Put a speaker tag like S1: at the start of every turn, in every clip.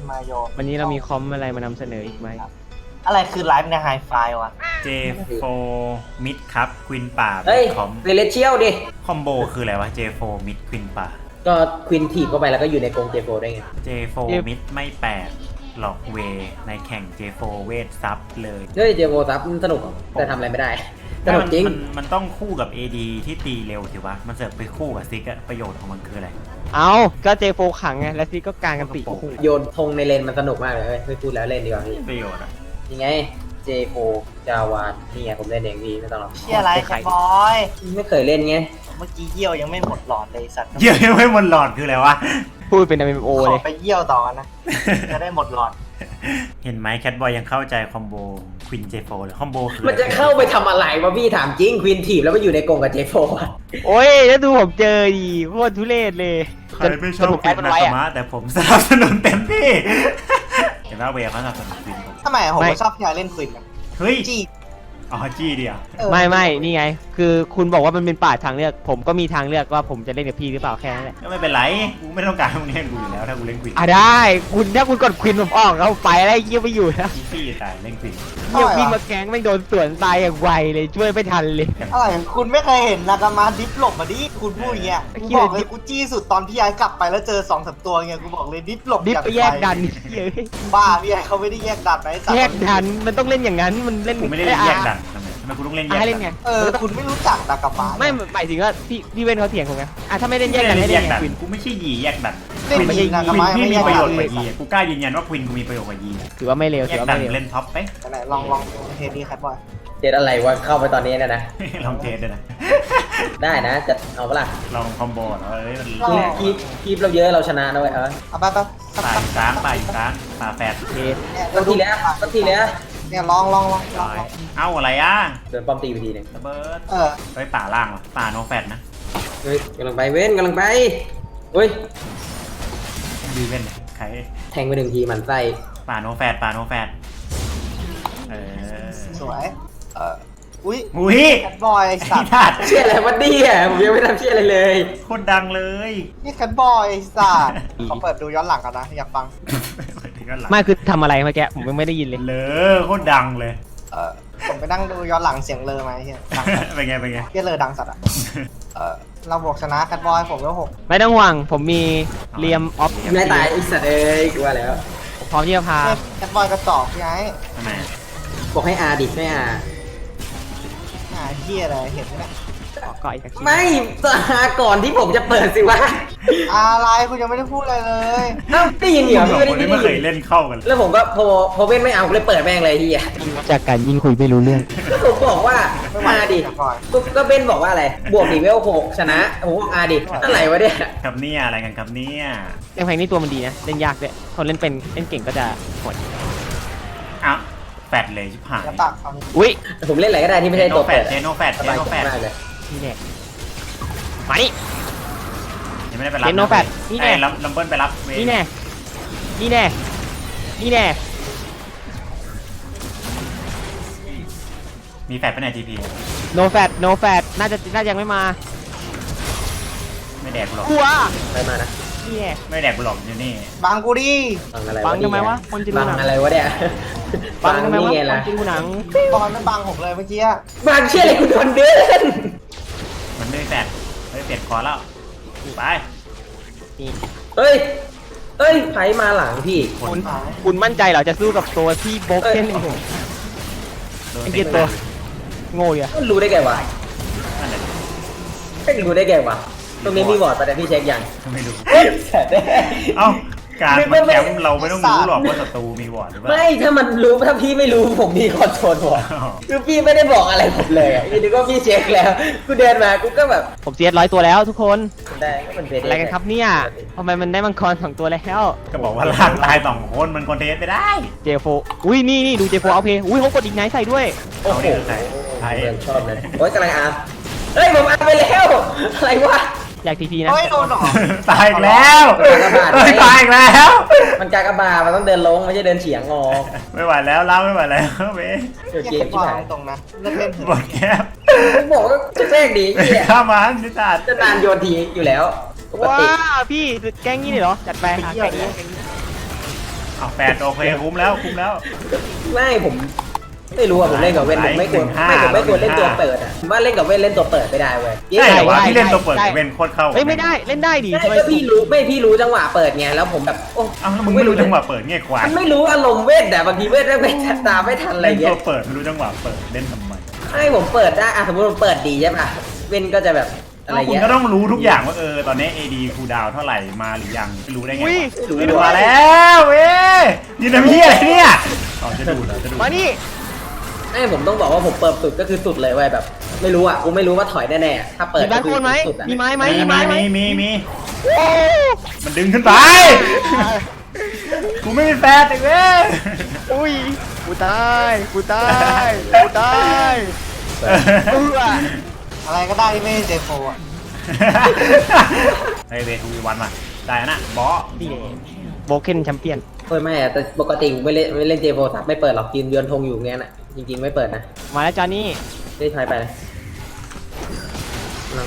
S1: มาโย
S2: วันนี้เรามีคอมอะไรมานำเสนออีกไหม
S1: อะไรคือไลฟ์ในไฮไฟวะ
S3: J4 มิดครับควินป่า
S4: เฮ้ย
S3: คอม
S4: เรเลเชียลดิ
S3: คอมโบคืออะไรวะ J4 มิดควินป่า
S4: ก็ควินถีบเข้าไปแล้วก็อยู่ในกรงเจโฟได้ไง
S3: J4 มิดไม่แปลกหลอกเวในแข่ง J4 เวทซับเลย
S4: เฮ้ยเจโฟซับมันสนุกแต่ทำอะไรไม่ได้สนุกจริง
S3: มันต้องคู่กับ AD ที่ตีเร็วถือว่ามันเสิร์ฟไปคู่กับซิกอะประโยชน์ของมันคืออะไร
S2: เอาก็เจโฟขังไงและซีก็กลางกันปีกคู่
S4: โยนธงในเลนมันสนุกมากเลยเฮ้ยไม่พูดแล้วเล่นดีกว่าพี่
S3: ประโยชน์อะ
S4: ยังไงเจโฟจาวานนี่ไงผมเล่นเองพี่ไม่ต้องหรอก
S1: เชี่ยอะไรแคทบอย
S4: ไม่เคยเล่นไง
S1: เมื่อกี้เยี่ยวยังไม่หมดหลอดเลยสัตว์
S3: เยี่ยยังไม่หมดหลอดคืออะไรวะ
S2: พูดเป็น MMO
S1: ข
S2: เล
S1: อย ไปเยี่ยวต่อนะ จะได้หมดหลอด
S3: เห็นไหมแคทบอยยังเข้าใจคอมโบควิน J4 เลยคอมโบคือ
S4: มันจะเข้าไปทำอะไรวะพี่ถามจริงควินถีบแล้วมาอยู่ในกรงกับเจโฟอะ
S2: โอ้ยแล้วดูผมเจอดีโคตรทุเรศเลย
S3: ใครไม่ชอบ
S2: ผม
S3: ควิ
S2: แอด
S3: น
S2: มัน
S3: นา
S2: ไว้
S3: กา
S2: อะ
S3: มะแต่ผมสนับสนุนเต็มที่เห็นว่าเวเขาสนับสนุนควินผม
S1: ทำไมผมไม่ชอบพี่ไอเล่นควินอะ
S3: เฮ้ย
S1: จี้
S3: อ๋อจี้เดียว
S2: ไม่นี่ไง คือคุณบอกว่ามันเป็นป่าทางเลือก ผมก็มีทางเลือกว่าผมจะเล่นกับพี่หรือเปล่าแค่นั้นแหละ
S3: ก็ไม่เป็นไรกูไม่ต้องการมึงเล่นกูอยู่แล้วถ้ากูเล่นควิน
S2: ได้คุณถ้าคุณกดควินผมออกแล้วไปอะไรเยี่ยไปอยู่นะ
S3: อีซี่ตายเล่นควิน
S2: เยี่ยวิ่งมาแก๊งไม่โดนสวนตายอย่างไวเลยช่วยไม่ทันเลย
S1: อะไรคุณไม่เคยเห็นนากามาดิฟหลบมาดิคุณพูดอย่างเงี้ยกูบอกเลยกูจี้สุดตอนพี่ไอกลับไปแล้วเจอ2-3ตัวเงี้ยกูบอกเลยดิฟหลบ
S2: ดิฟ
S1: อย่าง
S2: ไปแยกดัน
S1: ไว
S2: เฮ้ย
S1: บ้าพี่ไอเขาไม่ได้แยกดันนะไอ้สัตว์
S2: แยกดันมันต้องเล่นอย่างนั้นมันเล่น
S3: กูไม่ได้เล่นแยกดันทำไมกูต้องเล่นแยก
S2: ให้
S3: ดั
S2: เล่นไง
S1: คุณไม่รู้จักนากามา
S2: ไม่หมายถึงว่าพี่เว้นเขาเถียงผมไงถ้าไม่เล่นแยกดันให้
S3: แย
S2: เล่น
S3: ก
S2: ไง
S3: ดัน
S2: ควิน
S3: กูไม่ใช่ยีแยกดัน
S1: เล่น
S3: ควิน
S1: ยีนากามา
S3: พี่
S1: ไม่
S3: มี
S1: แยก
S3: ประโย
S1: ดั
S3: ช
S1: น
S3: น์ก
S1: เล
S3: ว่าย ยีกูกล้ายืนยันว่าควินกูมีประโยชน์กว่ายี
S2: ถือว่าไม่เร็ว
S3: แย
S2: ถือก ว่า
S3: ดัน
S2: ไม่เร็ว
S3: เล่นท็อปไป
S1: ไหนลองเทปนี้ครับบอย
S4: เจ็ดอะไรวะเข้าไปตอนนี้นะ
S3: ลองเทสด้วยนะ
S4: ได้นะจะเอาเปะล่า
S3: ลองคอมโบเหรอเอ้ยมัน
S4: คีบเราเยอะเราชนะนะเว้ย
S1: เอาไปสัก
S3: ป่าอยู่กลางป่าอยู่กลางป่าแฟด
S2: เคส
S1: เนี่ย
S4: ก็ทีแล้วก็ทีแล้ว
S1: เนี่ยลอง
S3: ร้อยเอ้าอะไรอ่ะ
S4: โดนป้อมตีไปทีหนึง
S3: ระเบิด
S1: เออ
S3: เฮ้ยป่าล่างวะป่าโนแฟดนะ
S4: เฮ้ยกำลังไปเว้นกำลังไปเฮ้ย
S3: ดีเว้นเนี่ยใคร
S4: แทงไปหนึ่งทีมันไส้
S3: ป่าโนแฟดป่าโนแฟดเออ
S1: สวยอุ้ย
S3: อุ้ย
S1: แคทบอยสั
S3: ไอ้
S1: ตว์
S3: ทัด
S4: เชี่ยอะไรวะเนี่ยผมยังไม่ทำเชี่ยอะไรเลย
S3: โคตรดังเลย
S1: นี่แคทบอยสัตว์เขาเปิดดูย้อนหลังกันนะอยากฟัง
S2: ไม่คือทำอะไรเมื่อกี้ผมยังไม่ได้ยินเลย
S3: เลยโคตรดังเลย
S1: ผมไปนั่งดูย้อนหลังเสียงเลอมาเฮียดังสัตว์
S3: เป็นไงเป็นไง
S1: เฮียเลอดังสัตว์อ่ะเราบวกชนะแคทบอยผมก็6
S2: ไม่ต้องห่วงผมมีเรียมออฟ
S4: ไม่ตายไอ้สัตว์เอ้ยกลัวแล้ว
S2: พร้อมที่จะพา
S1: แคทบอยกระจอกพี่ไอ้
S3: ทำไม
S4: บอกให้อาดิไม่อา
S1: เฮียอะไรเห็นไหมเนี่ย
S2: ก่ออีกสักที
S4: ไม่ตาก่อนที่ผมจะเปิดสิวะ
S1: อะไรคุณยังไม่ได้พูดอะไรเลย
S4: เอ้าได้ยินเหรอ
S3: สอง
S4: พี่
S3: คนนี้
S4: ไม่
S3: ไม่เค
S4: ได้
S3: ย
S4: ยิน
S3: เล่นเข้ากัน
S4: แล้วผมก็พอเว้นไม่เอาเลยเปิดแม่งเลยทีอ่ะ
S2: จากการยิ่งคุยไม่รู้เรื่อง
S4: ก็ผมบอกว่า
S1: ไม่ไหว
S4: อาดิ
S1: แคทบอย
S4: ก็เบนบอกว่าอะไรบวกดีเวล6ชนะผมบอกอาดิอะไรวะเนี่ย
S3: ครับเนี่ยอะไรกันครับเนี่ย
S2: แรงแพงนี่ตัวมันดีนะเล่นยากด้วยคนเล่นเป็นเล่นเก่งก็จะหด
S3: อ้าวแฟดเลยชิบหาย
S1: แล้วตักเอา
S2: อุ้ย
S4: ผมเล่นอะไรก็ได้ที่ไม่ใช่
S3: โน
S4: ตัว
S3: แฟ
S4: เปิ
S3: ด
S4: ด
S3: เจโนแฟด
S4: ส
S3: เจ
S4: บาย
S3: โน
S4: ใจ
S3: แฟด
S4: มากเลย
S2: นี่แน่มานี่
S3: ยังไม่ได้ไปรับ
S2: เจโนแฟดนี่แน่
S3: ลัมเบิลไปรับเว
S2: นี่แน่นี่แน่นี่แน่
S3: มีแฟดไปไหนทีพี
S2: โนแฟดโนแฟดน่าจะยังไม่มา
S3: ไม่แดกกูหรอก
S2: กลัว
S4: ไปมานะ
S2: นี่แน่
S3: ไม่แดกกูหรอกอยู่นี่
S1: บางกูดิ
S4: บังอะไร
S2: บังทำไมวะคนจะดู
S4: บัง
S2: หนัง
S4: อะไรวะเนี่ย
S2: บังทำไมวะ
S4: นี่ไง
S2: คน
S4: ล่ะ
S2: จะดูหนัง
S1: บอลไม่บังผมเลยเมื่อกี้
S4: บังเชี่ยอะไรคุณโดนเดิน
S3: มันไม่แฟดเฮ้ยเปลี่ยนคอแล้วไป
S2: นี่
S4: เฮ้ยไผมาหลังพี่
S2: คุณมั่นใจเหรอจะสู้กับตัวที่โบกเก้นเอง
S3: โดน
S2: ไอ้
S3: เตะ
S2: เหี้ยตัวโง่อะ
S4: มันรู้ได้ไงวะ
S3: นั่นแหละ
S4: ไม่รู้ได้ไงวะตรงนี้มีบอร์ดประเด็นพี่เช็คยัง
S3: ไม่รู้
S4: แต่ได้
S3: เอ้าการมาแคมป์เราไม่ต้องรู้หรอกว่าศัตรูมีวอร์ดหรือเปล่า
S4: ไม่ถ้ามันรู้ถ้าพี่ไม่รู้ผมมีคอนโทรลบอร์ด
S3: อ๋อ
S4: คือพี่ไม่ได้บอกอะไรผมเลยอ่ะพี่นึกว่าพี่เช็คแล้วกูเดินมากูก็แบบ
S2: ผมเสีย100 ตัวแล้วทุกคน
S4: ได้ก็มันเป็น
S2: อะไรกันครับเนี่ยทำไมมันได้มังกร2 ตัวแล้ว
S3: ก็บอกว่าลากตาย2 คนมันคอนเทสไปได้
S2: เจโฟอุ้ยนี่ดูเจโฟเอาเพย์อุ้ยเขากดอีกไนท์ใส่ด้วย
S4: โอ้โห
S3: ใช่
S4: เดินชอบเลยโอ๊ยกำลังอาร์มเฮ้ยผมอาร์มไปแล้วอะไรวะ
S2: อยากทีพีนะ
S1: เฮ้ยโดนหรอ
S3: ตายอีกแล้วเฮ้ยตายอีกแล้ว
S4: มันกากบาทมันต้องเดินลงไม่ใช่เดินเฉียงงอ
S3: ไม่ไหวแล้วเล่าไม่ไหวแล้วเว้ย
S4: เดี๋ยว
S1: เฮี
S4: เก
S1: ย
S4: ม
S1: แคทบ
S4: ที่
S1: อย
S4: ไหน
S1: ตรงๆนะเลิกเล่นเถ
S3: บ
S1: อะ
S3: ดแคบ
S4: ผมบอกว่าจะแทรกดีเหีย
S3: ข้ามันนิสาด
S4: จะนานโยนทีอยู่แล้วปก
S2: ว้า
S4: ติ
S2: พี่แกล้งงี้เลยเหรอจัดไปหาแกล้งนี้
S3: เอาแปดโอเคคุ้มแล้ว
S4: ไม่ผมไม่รู้อ่ะผมเล่นกับเว้นผมไม่ควรเล่นตัวเปิดอ่ะผมว่าเล่นกับเว้นเล่นตัวเปิดไม่ได้เว้ย
S3: ใช่เหรอวะพี่เล่นตัวเปิดเว้นโคตรเข้า
S2: เฮ้ยไม่ได้เล่นได้ดิ
S4: ใช่ก็พี่รู้จังหวะเปิดไงแล้วผมแบบโอ้
S3: อ้าวแล้วมึงไม่รู้จังหวะเปิดเงี้ยควาย
S4: มันไม่รู้อารมณ์เว้นแต่บางทีเว้นไม่ตามไม่ทันอะไร
S3: เล่น
S4: เงี้
S3: ตั
S4: ยว
S3: เปิดไม่รู้จังหวะเปิดเล่นทำไม
S4: ให้ผมเปิดได้อ่ะสมมติผมเปิดดีใช่ป่ะเว้นก็จะแบบอะไร
S3: คุณ
S4: เงี้ย
S3: ก็ต้องรู้ทุกอย่างว่าตอนนี้ AD คูลดาวน์เท่าไหร่มาหรือยังไม่รู้ได้ไง
S2: อุ้ย
S3: มาแล้วเว้ยยืนทำเหี้ยอะไรเนี่ยจะดู
S2: มานี่
S4: ให้ผมต้องบอกว่าผมเปิดสุดก็คือสุดเลยเว้ยแบบ ไม่รู้อ่ะกูไม่รู้ว่าถอยแน่ๆถ้าเปิด
S2: มีบ้านโคนไหม
S4: สุดอ่ะ
S2: มีไม้ไหม
S3: มีมันดึงขึ้นไปกูไม่มีแฟนอีกเว้ย
S2: อุ้ยกูตายเ
S1: อะไรก็ได้ที่ไม่ใช่เจโฟอ่ะ
S3: เฮ้ยเวทูวันมาได้นะบอส
S2: นี่โบเคนแชมเปี้ยน
S4: เฮ้ยไม่อะแต่ปกติผมไม่เล่นเจโฟสับไม่เปิดหรอกยืนเยือนธงอยู่เงี้ยน่ะจริงๆไม่เปิดนะ
S2: มาแล้วจอนี่
S4: ได้ถอยไปเลยนั่งไป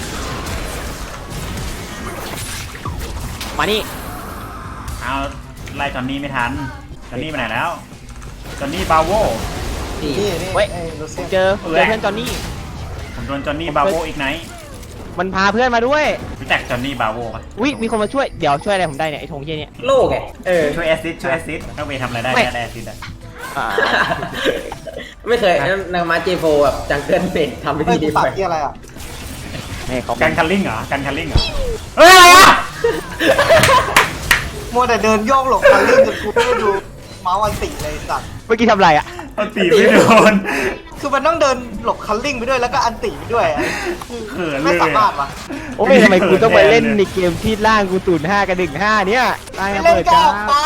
S2: มานี่
S3: เอาไล่จอนนี่ไม่ทันจอนนี่ไปไหนแล้วจอนนี่บาโว
S4: สี่
S1: นี่
S2: เว้ย
S1: รู้
S2: ผ
S1: สึ
S2: ม
S1: ก
S2: เจอเพื่อนจอนี่
S3: ผมโดนจอนนี่บาโวอีกไหน
S2: มันพาเพื่อนมาด้วย
S3: รู้จักจอนนี่บาโวปะ
S2: อุ้ยมีคนมาช่วยเดี๋ยวช่วยอะไรผมได้เนี่ยไอ้ธงเหี้ยเนี่ย
S4: โลกไง
S3: ช่วยแอสซิสถ้าเวทำอะไรได้ได้แอสซิสอะ
S2: อ่า
S4: ไม่เคยนางมาเจโฟแบบจังเกิลเป็ดทำไป
S1: เฮ้ย
S4: ที
S1: กู
S4: เดียว
S1: ปัก
S4: ไป
S1: ที่อะไรอ่ะ
S2: ให้เขา
S3: กันคัลลิ่งเหรอเฮ้ยอะไรอะ
S1: มัวแต่เดินโยกหลบคันลื่นจนกูไม่ได้ดูเมาส์อันติเลยสัตว์
S2: เมื่อกี้ทำอะไรอ่ะ
S3: เอาตีไม่โดน
S1: คือมันต้องเดินหลบคันลิ่งไปด้วยแล้วก็อันติไปด้วยอะ
S3: เขินเลย
S1: ไม่สามารถวะ
S2: โอ้ยทำไมกูต้องไปเล่นในเกมที่ล่างกู0-5กับ1-5เนี่ยตาย
S1: ไม่
S2: มา
S1: เล่น
S2: เปิด
S1: ก็
S2: จ้า
S1: ออกไป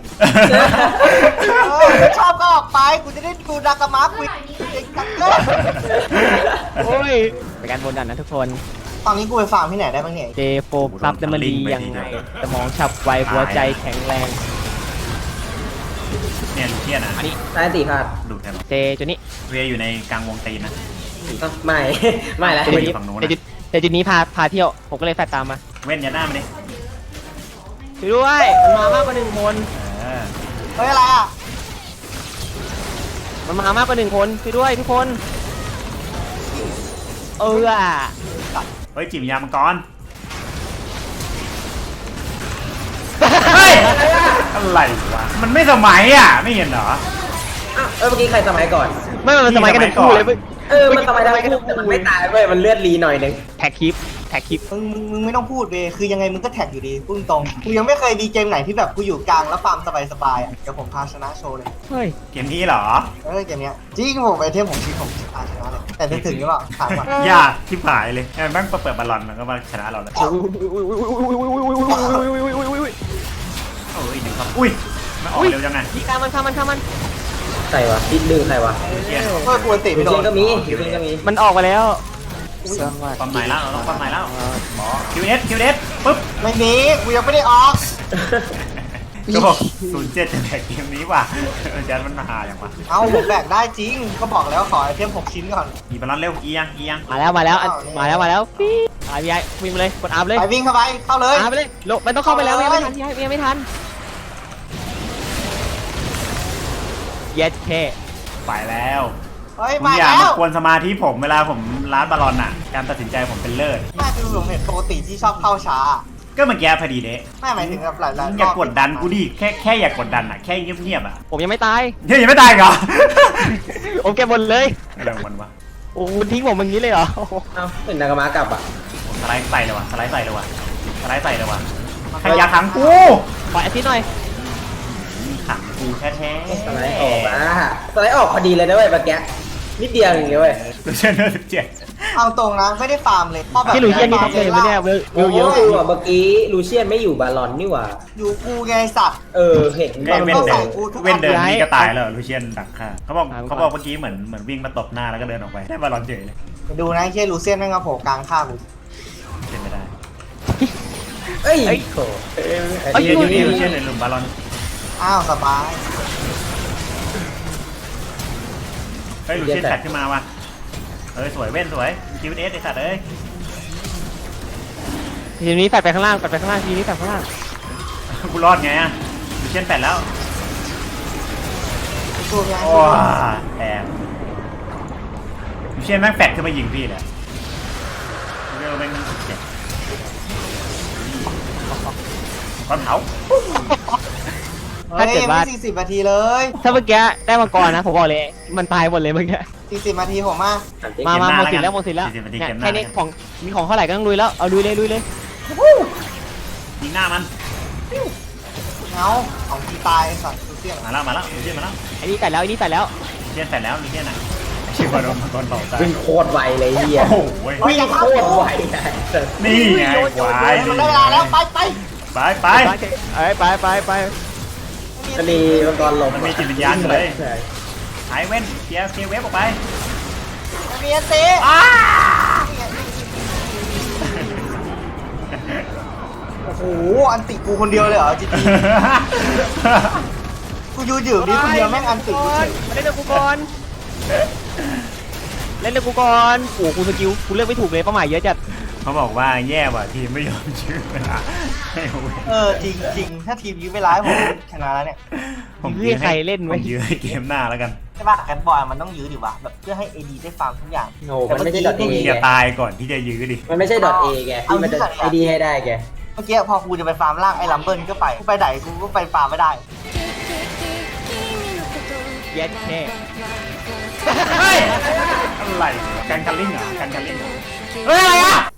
S1: ไม่ชอบก็ออกไปกูจะได้ดูดากามะคุยเองกันเลย
S2: โอ้ยเป็นการบนดันนะทุกคน
S1: ตอนนี้กูไปฟาร์มที่ไหนได้บ้างเนี่ย
S2: เจโฟซับจะมันดียังไงสมองฉับไวหัวใจแข็งแรง
S3: เนี่ยลูเคียนอะ
S2: อันนี้
S4: ตายตีพลาด
S3: ดูดแทน
S2: เจจุดนี้
S3: เวอยู่ในกลางวงตีนนะ
S4: ไม่ ไม่แล้ว
S3: จุดนี้ฝั่งนู้นนะ
S2: แต่จุดนี้พาเที่ยวผมก็เลยแฟดตามมา
S3: เว้นยันหน้ามาดิ
S2: ช่วยด้วยมันมามากกว่า1 คน
S1: เฮ้ยอะไรอ่ะ
S2: มันมามากกว่า1 คนช่วยด้วยทุกคนเ
S3: เฮ้ยจิบยามังกรเฮ้ยอะไรวะมันไม่สมัยอ่ะไม่เห็นเหรอ
S4: อ้าวเมื่อกี้ใครสมัยก่อน
S2: ไม่มันสมัยกันทั้งคู่เลย
S4: มันสมัยทั้งคู่แต่มันไม่ตายเว้ยมันเลือดรีหน่อยนึง
S2: แท็กคลิป
S1: มึงไม่ต้องพูดเบคือยังไงมึงก็แท็กอยู่ดีพูดตรงกูยังไม่เคยดีเกมไหนที่แบบกูอยู่กลางแล้วฟาร์มสบายๆอ่ะเดี๋ยวผมพาชนะโชว์เลย
S2: เฮ้ย
S3: เกมนี้เหรอ
S1: เกมเนี้ยจริงผมไอเทมผมชีผมพาชนะเลยแต่ถึงหรือเปล่าถามก่อน
S3: ยากที่ผายเลยแม่งเปิดบอลลอนมันก็มาชนะเราเลยโอ้ยหนึ่งครับอุ้ยมันออกเร็วจังไง
S2: พี่ฆ่ามัน
S4: ใครวะดิดดึงใครวะ
S3: เกียร์
S1: เพื่อกูอันติ
S4: ดู
S1: ไม่โด
S4: เชีย
S1: น
S4: นก็มีดูเชียนก็มี
S2: มันออกมาแล้ว
S3: ความหมายแล้วเราต้องความหมายแล้วหมอคิวเอสปุ๊บ
S1: ไม่มีกูยังไม่ได้ออก
S3: ก็บอก07จะแบกเกมนี้ว่ะยันมันมาหาอย่างวะ
S1: เอาผมแบกได้จริงก็บอกแล้วขอไอเทม6 ชิ้นก่อน
S3: อีบอลลอนเร็วเอียง
S2: มาแล้วพี่พี่ไอ้วิ่งไปเลยกดอาร์เลย
S1: ไปวิ่งเข้าไปเข้าเลย
S2: อาร์ไปเลยลงมันต้องเข้าไปแล้วยังไม่ทันยังไม่ทันเย็ดแค่
S3: ไปแล้ว
S1: เฮ้ย
S3: คุณ
S1: มา
S3: อย่า
S1: แล้
S3: มาว กวนสมาธิผมเวลาผมล้านบอลลอนอ่ะการตัดสินใจผมเป็นเลิศ
S1: น่าจะผมเห็นปกติที่ชอบเข้าช้า
S3: ก็เมื่อกี้พอดีเด้
S1: ไม่หมายถึงแบบหลายๆ
S3: อย่ากดดันกูดิแค่อย่ากดดันอ่ะแค่เงียบๆอ่ะ
S2: ผมยังไม่ตาย
S3: เฮ้ยยังไม่ตายเหรอ
S2: ผมเก็บหมดเลย
S3: อะไรของมันวะ
S2: โอ้ทิ้งผมอย่างนี้เลยเหรอ
S4: เอ้าเป็นนากามะกลับอ่ะ
S3: ผมสไลด์ใส่เลยว่ะใครอยากขังกู
S2: ขอแอสซิสหน่อย
S3: ขังกูแท้ๆ
S4: สไลด์ออกอ่ะสไลด์ออกพอดีเลยนะเว้ยเมื่อกี้นิดเดียวเองเลยเว้ย
S3: ดูเชนเนอร์17
S1: เอาตรงนะไม่ได้ฟาร์มเลยเพราะแบบ
S2: พี่หลุยเยี่ยนนี่ท็อปเลยไหมเนี่ยเวลเยอะ
S4: โอ้เมื่อกี้ลูเชียนไม่อยู่บาลอนนี่หว่า
S1: อยู่กูไงสัตว์
S4: เห็น
S3: ไอ้เว้น
S1: ต้อง
S3: เดิ
S1: ใส่
S3: น
S1: กูทุกอัน
S3: เว้นเดินนี่ก็ตายแล้วลูเชียนดักฆ่าเขาบอกเมื่อกี้เหมือนวิ่งมาตบหน้าแล้วก็เดินออกไปได้บอลลอนเฉยเลย
S1: ดูนะเชี่ยลูเซียนแม่งมาโผล่กลางข้ากู
S3: เป็นไม่ได้
S4: เอ้ยโถ
S3: ลูเชียนในหลุมบอลลอน
S1: อ้าวสบาย
S3: เฮ้ยลูเชียนแฟดขึ้นมาว่ะสวยเว้นสวยคิวเอสไอสัตว์เอ้ย
S2: ทีนี้แฟดไปข้างล่างทีนี้แฟดข้างล่าง
S3: กูรอดไงอ่ะลูเชียนแปดแล้ว
S1: ตัวไง
S3: โอ้แทนเชียนแม่งแฟดขึ้นมายิงพี่เลยเร็วแม่งเจ็บก้อนเผา
S2: ถ้าเกิดว่า
S1: ฮ้ยยังไม่40 นาทีเลย
S2: ถ้าเมื่อกี้ได้มังกรนะผมบอกเลยมันตายหมดเลยเมื่อกี้
S1: 40 นาทีผมมา
S2: มาหมดสิทธิ์แล้วหมดสิทธิ์แล้วเนี่ยแค่นี้ของมีของเท่าไหร่ก็ต้องลุยแล้วเอาลุยเลย
S3: ยิงหน้ามัน
S1: เงาของที่ตายสัตว์ดูเสี่ยง
S3: มาแล้วเชียนมาแล้ว
S2: ไอ้นี่แต่แล้วเ
S3: เชียนแปดแล้วเชียนน่ะชื่อว่าโดนมังกรเผาตาย
S4: วิ่งโคตรไวเลยเฮีย
S3: โอ้โห
S4: วิ่งโคตรไวไง
S3: นี่ไงควาย
S1: มันได้เวลาแล้วไป
S3: ไป
S2: ไป
S4: จะมีมังกรลม
S3: มันมีจิตวิญญาณอยู่เลยหายเว้นเคลียร์เวฟออกไป
S1: มีอันตีโอ้โหอันติกูคนเดียวเลยเหรอจริงๆกูยืนอยู่นี่คนเดียวแม่งอันติกูเฉย
S2: เล่นกับกูก่อนเล่นกับกูก่อนโอ้กูสกิลกูเลือกไม่ถูกเลยเป้าหมายเยอะจัด
S3: เขาบอกว่าแย่ว่ะทีมไม่ยอมชื่อเวลาให้เว้น
S1: จริงถ้าทีมยื้อเวลาให้ผมชนะแล้วเนี่ย
S3: ผมยื้อให้เกมหน้าแล้วกัน
S1: ใช่ป่ะกันบอยมันต้องยื้อดิวะแบบเพื่อให้ AD ได้ฟาร์มทุกอย่าง
S4: โง่มันไม่ใช่ดอทเอ
S3: อย่าตายก่อนที่จะยื้อดิ
S4: มันไม่ใช่ดอทเอแกที่มันจะไอดีให้ได้แก
S1: เมื่อกี้พอกูจะไปฟาร์มล่างไอ้ลัมเบิลก็ไปกูไปไหนกูก็ไปฟาร์มไม่ได้
S2: เย็ดแน่
S3: เฮ้ยอะไรกันลิงเหรอกันลิงเหรอ
S2: เฮ้ยอะไรอ่ะ